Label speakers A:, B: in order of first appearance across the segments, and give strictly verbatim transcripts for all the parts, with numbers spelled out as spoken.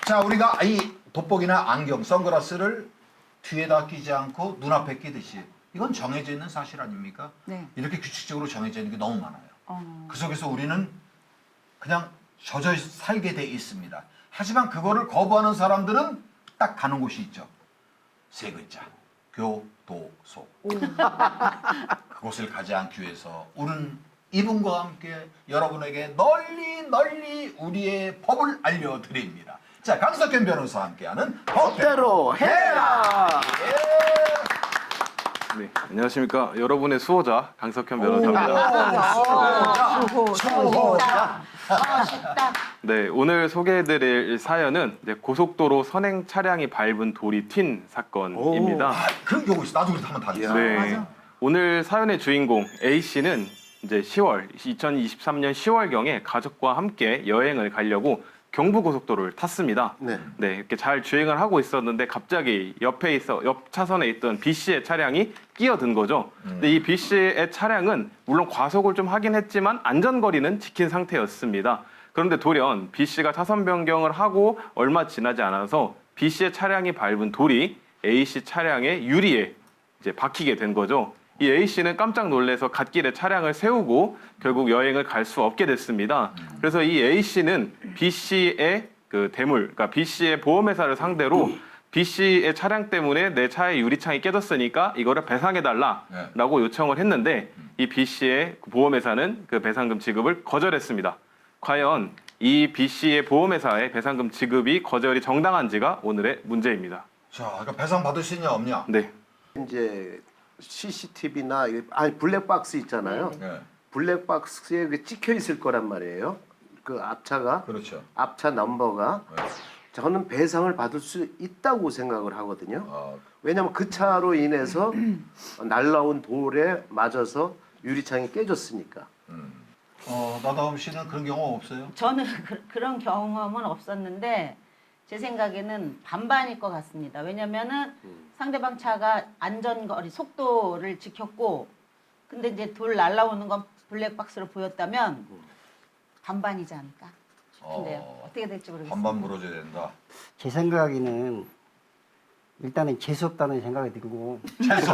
A: 자, 우리가 이 돋보기나 안경, 선글라스를 뒤에다 끼지 않고 눈앞에 끼듯이 이건 정해져 있는 사실 아닙니까?
B: 네.
A: 이렇게 규칙적으로 정해져 있는 게 너무 많아요.
B: 어.
A: 그 속에서 우리는 그냥 젖어 살게 돼 있습니다. 하지만 그거를 거부하는 사람들은 딱 가는 곳이 있죠. 세 글자. 교도소. 그곳을 가지 않기 위해서 우리는 이분과 함께 여러분에게 널리 널리 우리의 법을 알려드립니다. 자, 강석현 변호사와 함께하는 법대로 해라.
C: 네, 안녕하십니까. 여러분의 수호자 강석현 변호사입니다.
B: 수호.
A: 수호자.
B: 아, 쉽다.
C: 네, 오늘 소개해드릴 사연은 이제 고속도로 선행 차량이 밟은 돌이 튄 사건입니다.
A: 아, 그럼 요거 있어. 나도 그래서 한번 다 했어.
C: 네,
B: 맞아.
C: 오늘 사연의 주인공 A 씨는 이제 시월 이천이십삼 년 시월경에 가족과 함께 여행을 가려고 경부고속도로를 탔습니다.
D: 네.
C: 네, 이렇게 잘 주행을 하고 있었는데 갑자기 옆에 있어 옆 차선에 있던 B 씨의 차량이 끼어든 거죠. 근데 이 B 씨의 차량은 물론 과속을 좀 하긴 했지만 안전거리는 지킨 상태였습니다. 그런데 돌연 B 씨가 차선 변경을 하고 얼마 지나지 않아서 B 씨의 차량이 밟은 돌이 A 씨 차량의 유리에 이제 박히게 된 거죠. 이 A 씨는 깜짝 놀라서 갓길에 차량을 세우고 결국 여행을 갈 수 없게 됐습니다. 그래서 이 A 씨는 B 씨의 그 대물, 그러니까 B 씨의 보험회사를 상대로 B 씨의 차량 때문에 내 차의 유리창이 깨졌으니까 이거를 배상해달라라고 요청을 했는데 이 B 씨의 보험회사는 그 배상금 지급을 거절했습니다. 과연 이 B 씨의 보험회사의 배상금 지급이 거절이 정당한지가 오늘의 문제입니다.
A: 자, 그러니까 배상 받을 수 있냐 없냐?
C: 네.
D: 이제 씨씨티비나 아니 블랙박스 있잖아요.
A: 네.
D: 블랙박스에 그 찍혀 있을 거란 말이에요. 그 앞차가
A: 그렇죠.
D: 앞차 넘버가
A: 네.
D: 저는 배상을 받을 수 있다고 생각을 하거든요.
A: 어,
D: 왜냐하면 그 차로 인해서 날라온 돌에 맞아서 유리창이 깨졌으니까.
A: 어, 나다움 씨는 그런 경험 없어요?
B: 저는 그, 그런 경험은 없었는데 제 생각에는 반반일 것 같습니다. 왜냐면은 상대방 차가 안전거리 속도를 지켰고 근데 이제 돌 날라오는 건 블랙박스로 보였다면 반반이지 않을까 싶은데요.
A: 어,
B: 어떻게 될지 모르겠습니다.
A: 반반 물어줘야 된다.
E: 제 생각에는 일단은 재수 없다는 생각이 들고
A: 최소.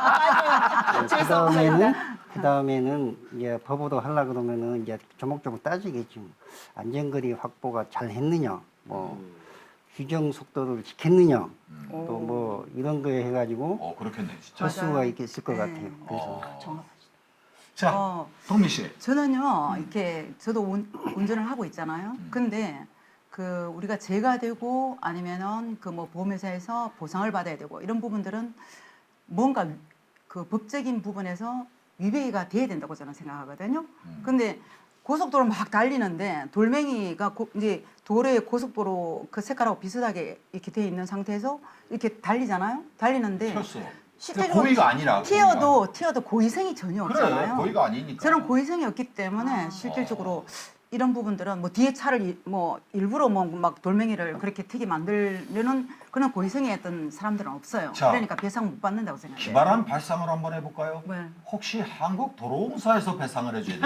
E: 그 다음에는 그 다음에는 이제 법으로 하려 그러면은 이제 조목조목 따지겠지. 안전거리 확보가 잘 했느냐, 뭐 규정 속도를 지켰느냐, 또 뭐 이런 거에 해가지고
A: 어, 그렇겠네, 진짜.
E: 할 수가 있을 것
F: 네.
E: 같아요. 그래서
A: 어.
B: 정확하시다.
A: 자,
F: 어,
A: 동미 씨.
F: 저는요 이렇게 저도 운, 운전을 하고 있잖아요. 근데 그 우리가 죄가 되고 아니면은 그 뭐 보험회사에서 보상을 받아야 되고 이런 부분들은 뭔가 그 법적인 부분에서 위배가 돼야 된다고 저는 생각하거든요. 근데 고속도로 막 달리는데 돌멩이가 고, 이제 도로에 고속도로 그 색깔하고 비슷하게 이렇게 돼 있는 상태에서 이렇게 달리잖아요. 달리는데
A: 튀었어.
B: 실제로
A: 고의가 아니라.
F: 튀어도 튀어도 고의성이 전혀
A: 그래,
F: 없잖아요.
A: 고의가 아니니까.
F: 저는 고의성이 없기 때문에
B: 아.
F: 실질적으로 이런 부분들은 뭐 뒤에 차를 이- 뭐 일부러 뭐 막 돌멩이를 그렇게 튀게 만들려는 그런 고의성이 했던 사람들은 없어요.
A: 자,
F: 그러니까 배상 못 받는다고 생각해요.
A: 기발한 발상을 한번 해볼까요?
F: 네.
A: 혹시 한국도로공사에서 배상을 해줘야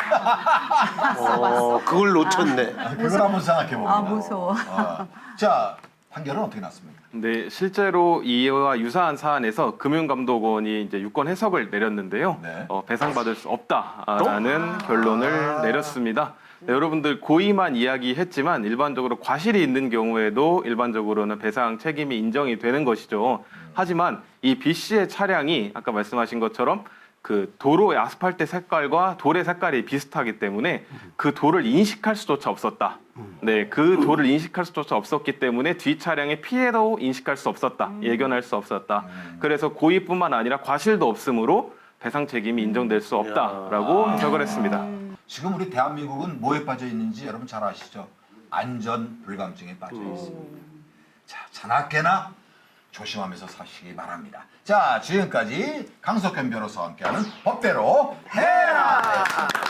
A: 되느냐?
D: 어, 그걸 놓쳤네.
A: 아, 그걸 한번 생각해봅니다.
F: 아, 무서워.
A: 아, 자, 판결은 어떻게 났습니까?
C: 네, 실제로 이와 유사한 사안에서 금융감독원이 이제 유권 해석을 내렸는데요.
A: 네.
C: 어, 배상받을 수 없다라는 결론을 내렸습니다. 네, 여러분들 고의만 이야기했지만 일반적으로 과실이 있는 경우에도 일반적으로는 배상 책임이 인정이 되는 것이죠. 하지만 이 B 씨의 차량이 아까 말씀하신 것처럼 그 도로의 아스팔트 색깔과 돌의 색깔이 비슷하기 때문에 그 돌을 인식할 수조차 없었다. 네, 그 돌을 인식할 수조차 없었기 때문에 뒤 차량의 피해도 인식할 수 없었다. 예견할 수 없었다. 그래서 고의뿐만 아니라 과실도 없으므로 배상 책임이 인정될 수 없다라고 해석을 했습니다.
A: 지금 우리 대한민국은 뭐에 빠져 있는지 여러분 잘 아시죠? 안전 불감증에 빠져 있습니다. 자, 자나깨나 조심하면서 사시기 바랍니다. 자, 지금까지 강석현 변호사와 함께하는 법대로 해라!